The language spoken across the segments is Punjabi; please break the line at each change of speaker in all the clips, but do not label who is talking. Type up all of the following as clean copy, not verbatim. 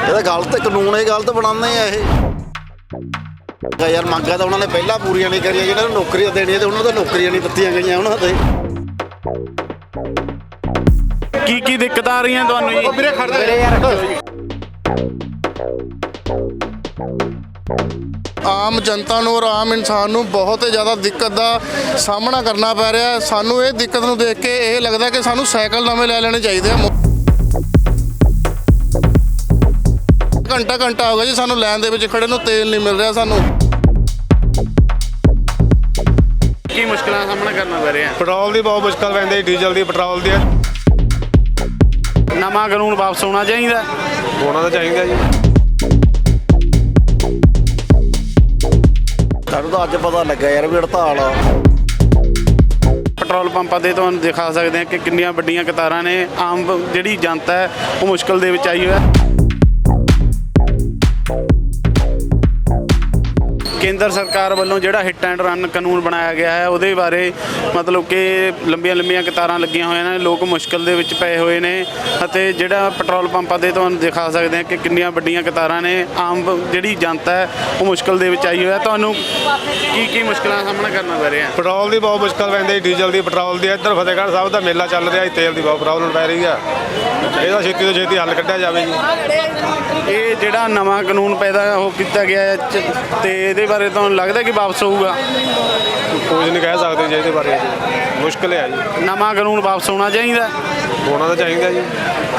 ਇਹਦਾ ਗਲਤ ਕਾਨੂੰਨ ਇਹ ਗਲਤ ਬਣਾਉਂਦੇ ਆ ਇਹ ਯਾਰ। ਮੰਗਾਂ ਤਾਂ ਉਹਨਾਂ ਨੇ ਪਹਿਲਾਂ ਪੂਰੀਆਂ ਨਹੀਂ ਕਰੀਆਂ, ਜਿਹਨਾਂ ਨੂੰ ਨੌਕਰੀਆਂ ਦੇਣੀਆਂ ਤੇ ਉਹਨਾਂ ਤੋਂ ਨੌਕਰੀਆਂ ਨਹੀਂ ਦਿੱਤੀਆਂ ਗਈਆਂ ਉਹਨਾਂ ਦੇ।
ਕੀ ਦਿੱਕਤਾਂ ਆ ਰਹੀਆਂ ਤੁਹਾਨੂੰ ਜੀ?
ਵੀਰੇ ਖੜਦੇ ਯਾਰ।
ਆਮ ਜਨਤਾ ਨੂੰ ਔਰ ਆਮ ਇਨਸਾਨ ਨੂੰ ਬਹੁਤ ਹੀ ਜ਼ਿਆਦਾ ਦਿੱਕਤ ਦਾ ਸਾਹਮਣਾ ਕਰਨਾ ਪੈ ਰਿਹਾ। ਸਾਨੂੰ ਇਹ ਦਿੱਕਤ ਨੂੰ ਦੇਖ ਕੇ ਇਹ ਲੱਗਦਾ ਕਿ ਸਾਨੂੰ ਸਾਈਕਲ ਨਵੇਂ ਲੈ ਲੈਣੇ ਚਾਹੀਦੇ ਆ। ਘੰਟਾ ਹੋ ਗਿਆ ਜੀ ਸਾਨੂੰ ਲਾਈਨ ਦੇ ਵਿੱਚ ਖੜੇ ਨੂੰ, ਤੇਲ ਨਹੀਂ ਮਿਲ ਰਿਹਾ ਸਾਨੂੰ।
ਕੀ ਮੁਸ਼ਕਲਾਂ ਦਾ ਸਾਹਮਣਾ ਕਰਨਾ ਪੈ ਰਿਹਾ?
ਪੈਟਰੋਲ ਦੀ ਬਹੁਤ ਮੁਸ਼ਕਲ ਪੈਂਦੀ, ਡੀਜ਼ਲ ਦੀ, ਪੈਟਰੋਲ ਦੀ।
ਨਵਾਂ ਕਾਨੂੰਨ ਵਾਪਸ ਆਉਣਾ ਚਾਹੀਦਾ।
ਹੋਣਾ ਤਾਂ ਚਾਹੀਦਾ ਜੀ।
ਸਾਨੂੰ ਤਾਂ ਅੱਜ ਪਤਾ ਲੱਗਾ ਯਾਰ ਵੀ ਹੜਤਾਲ ਆ।
ਪੈਟਰੋਲ ਪੰਪਾਂ ਤੇ ਤੁਹਾਨੂੰ ਦਿਖਾ ਸਕਦੇ ਹਾਂ ਕਿ ਕਿੰਨੀਆਂ ਵੱਡੀਆਂ ਕਤਾਰਾਂ ਨੇ। ਆਮ ਜਿਹੜੀ ਜਨਤਾ ਹੈ ਉਹ ਮੁਸ਼ਕਲ ਦੇ ਵਿੱਚ ਆਈ ਹੋਇਆ। ਕੇਂਦਰ ਸਰਕਾਰ ਵੱਲੋਂ ਜਿਹੜਾ ਹਿੱਟ ਐਂਡ ਰਨ ਕਾਨੂੰਨ ਬਣਾਇਆ ਗਿਆ ਹੈ ਉਹਦੇ ਬਾਰੇ ਮਤਲਬ ਕਿ ਲੰਬੀਆਂ ਕਤਾਰਾਂ ਲੱਗੀਆਂ ਹੋਈਆਂ ਨੇ, ਲੋਕ ਮੁਸ਼ਕਲ ਦੇ ਵਿੱਚ ਪਏ ਹੋਏ ਨੇ। ਅਤੇ ਜਿਹੜਾ ਪੈਟਰੋਲ ਪੰਪਾਂ ਤੇ ਤੁਹਾਨੂੰ ਦਿਖਾ ਸਕਦੇ ਹਾਂ ਕਿ ਕਿੰਨੀਆਂ ਵੱਡੀਆਂ ਕਤਾਰਾਂ ਨੇ। ਆਮ ਜਿਹੜੀ ਜਨਤਾ ਹੈ ਉਹ ਮੁਸ਼ਕਲ ਦੇ ਵਿੱਚ ਆਈ ਹੋਇਆ। ਤੁਹਾਨੂੰ ਕੀ ਮੁਸ਼ਕਲਾਂ ਦਾ ਸਾਹਮਣਾ ਕਰਨਾ ਪੈ ਰਿਹਾ?
ਪੈਟਰੋਲ ਦੀ ਬਹੁਤ ਮੁਸ਼ਕਲ ਪੈਂਦੀ, ਡੀਜ਼ਲ ਦੀ, ਪੈਟਰੋਲ ਦੀ। ਇੱਧਰ ਫਤਿਹਗੜ੍ਹ ਸਾਹਿਬ ਦਾ ਮੇਲਾ ਚੱਲ ਰਿਹਾ, ਤੇਲ ਦੀ ਬਹੁਤ ਪ੍ਰੋਬਲਮ ਪੈ ਰਹੀ ਆ। ਇਹਦਾ ਛੇਤੀ ਤੋਂ ਛੇਤੀ ਹੱਲ ਕੱਢਿਆ ਜਾਵੇ ਜੀ।
ਇਹ ਜਿਹੜਾ ਨਵਾਂ ਕਾਨੂੰਨ ਪੈਦਾ ਉਹ ਕੀਤਾ ਗਿਆ ਹੈ ਤੇ ਇਹਦੇ ਬਾਰੇ ਤੁਹਾਨੂੰ ਲੱਗਦਾ ਕਿ ਵਾਪਸ ਹੋਊਗਾ?
ਕੁਝ ਨਹੀਂ ਕਹਿ ਸਕਦੇ ਜੀ ਇਹਦੇ ਬਾਰੇ, ਮੁਸ਼ਕਲ ਹੈ ਜੀ।
ਨਵਾਂ ਕਾਨੂੰਨ ਵਾਪਸ ਆਉਣਾ ਚਾਹੀਦਾ।
ਹੋਣਾ ਤਾਂ ਚਾਹੀਦਾ ਜੀ।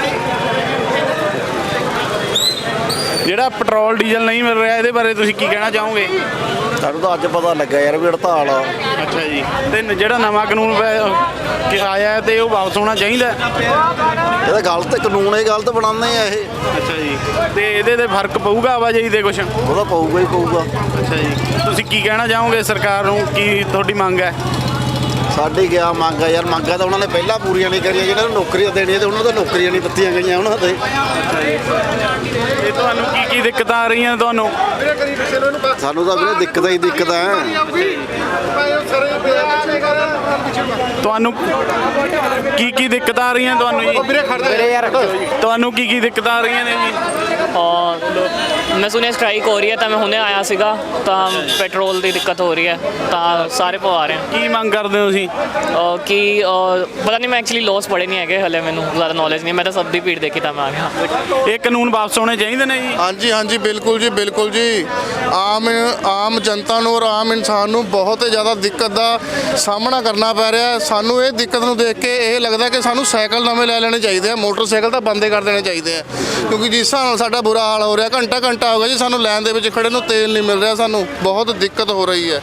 ਜਿਹੜਾ ਪੈਟਰੋਲ ਡੀਜ਼ਲ ਨਹੀਂ ਮਿਲ ਰਿਹਾ ਇਹਦੇ ਬਾਰੇ ਤੁਸੀਂ ਕੀ ਕਹਿਣਾ ਚਾਹੋਗੇ?
ਸਾਨੂੰ ਤਾਂ ਅੱਜ ਪਤਾ ਲੱਗਾ ਯਾਰ ਵੀ ਹੜਤਾਲ ਆ।
ਅੱਛਾ ਜੀ। ਤੇ ਜਿਹੜਾ ਨਵਾਂ ਕਾਨੂੰਨ ਆਇਆ ਤੇ ਉਹ ਵਾਪਸ ਹੋਣਾ ਚਾਹੀਦਾ।
ਇਹਦਾ ਗਲਤ ਕਾਨੂੰਨ ਇਹ ਗਲਤ ਬਣਾਉਂਦੇ ਆ ਇਹ।
ਅੱਛਾ ਜੀ। ਤੇ ਇਹਦੇ ਤੇ ਫਰਕ ਪਊਗਾ ਆਵਾਜਾਈ ਦੇ ਕੁਛ?
ਉਹਦਾ ਪਊਗਾ ਹੀ ਪਊਗਾ।
ਅੱਛਾ ਜੀ। ਤੁਸੀਂ ਕੀ ਕਹਿਣਾ ਚਾਹੋਗੇ ਸਰਕਾਰ ਨੂੰ? ਕੀ ਤੁਹਾਡੀ ਮੰਗ ਹੈ?
ਸਾਡੀ ਗਿਆ ਮੰਗ ਆ ਯਾਰ। ਮੰਗਾਂ ਤਾਂ ਉਹਨਾਂ ਨੇ ਪਹਿਲਾਂ ਪੂਰੀਆਂ ਨਹੀਂ ਕਰੀਆਂ, ਜਿਹਨਾਂ ਨੂੰ ਨੌਕਰੀਆਂ ਦੇਣੀਆਂ ਤੇ ਉਹਨਾਂ ਤੋਂ ਨੌਕਰੀਆਂ ਨਹੀਂ ਦਿੱਤੀਆਂ ਗਈਆਂ ਉਹਨਾਂ ਦੇ।
ਤੇ ਤੁਹਾਨੂੰ ਕੀ ਦਿੱਕਤਾਂ ਆ ਰਹੀਆਂ ਤੁਹਾਨੂੰ?
ਸਾਨੂੰ ਤਾਂ ਵੀਰੇ ਦਿੱਕਤਾਂ ਹੀ ਦਿੱਕਤਾਂ ਹੈ।
ਤੁਹਾਨੂੰ ਕੀ ਦਿੱਕਤਾਂ ਆ ਰਹੀਆਂ ਤੁਹਾਨੂੰ ਜੀ?
ਵੀਰੇ ਯਾਰ।
ਤੁਹਾਨੂੰ ਕੀ ਦਿੱਕਤਾਂ ਆ ਰਹੀਆਂ ਨੇ ਜੀ?
ਮੈਂ ਸੁਣਿਆ ਸਟ੍ਰਾਈਕ ਹੋ ਰਹੀ ਹੈ ਤਾਂ ਮੈਂ ਹੁਣੇ ਆਇਆ ਸੀਗਾ ਤਾਂ ਪੈਟਰੋਲ ਦੀ ਦਿੱਕਤ ਹੋ ਰਹੀ ਹੈ ਤਾਂ ਸਾਰੇ ਪਵਾ ਰਹੇ
ਕੀ ਮੰਗ ਕਰਦੇ ਹੋ ਤੁਸੀਂ?
ਕਿ ਪਤਾ ਨਹੀਂ, ਮੈਂ ਐਕਚੁਅਲੀ ਲੋਸ ਪੜ੍ਹੇ ਨਹੀਂ ਹੈਗੇ ਹਲੇ, ਮੈਨੂੰ ਜ਼ਿਆਦਾ ਨੌਲੇਜ ਨਹੀਂ। ਮੈਂ ਤਾਂ ਸਭ ਦੀ ਭੀੜ ਦੇਖੀ ਤਾਂ ਮੈਂ ਆ ਗਿਆ।
ਇਹ ਕਾਨੂੰਨ ਵਾਪਸ ਆਉਣੇ ਚਾਹੀਦੇ ਨੇ ਜੀ?
ਹਾਂਜੀ ਬਿਲਕੁਲ ਜੀ, ਬਿਲਕੁਲ ਜੀ। ਆਮ ਜਨਤਾ ਨੂੰ ਔਰ ਆਮ ਇਨਸਾਨ ਨੂੰ ਬਹੁਤ ਹੀ ਜ਼ਿਆਦਾ ਦਿੱਕਤ ਦਾ ਸਾਹਮਣਾ ਕਰਨਾ ਪੈ ਰਿਹਾ। ਸਾਨੂੰ ਇਹ ਦਿੱਕਤ ਨੂੰ ਦੇਖ ਕੇ ਇਹ ਲੱਗਦਾ ਕਿ ਸਾਨੂੰ ਸਾਈਕਲ ਨਵੇਂ ਲੈ ਲੈਣੇ ਚਾਹੀਦੇ ਆ। ਮੋਟਰਸਾਈਕਲ ਤਾਂ ਬੰਦ ਕਰ ਦੇਣੇ ਚਾਹੀਦੇ ਆ, ਕਿਉਂਕਿ ਜਿਸ ਹਿਸਾਬ ਨਾਲ ਸਾਡਾ ਬੁਰਾ ਹਾਲ ਹੋ ਰਿਹਾ। ਘੰਟਾ ਹੋ ਗਿਆ ਜੀ ਸਾਨੂੰ ਲਾਈਨ ਦੇ ਵਿੱਚ ਖੜੇ ਨੂੰ, ਤੇਲ ਨਹੀਂ ਮਿਲ ਰਿਹਾ ਸਾਨੂੰ। ਬਹੁਤ ਦਿੱਕਤ ਹੋ ਰਹੀ ਹੈ।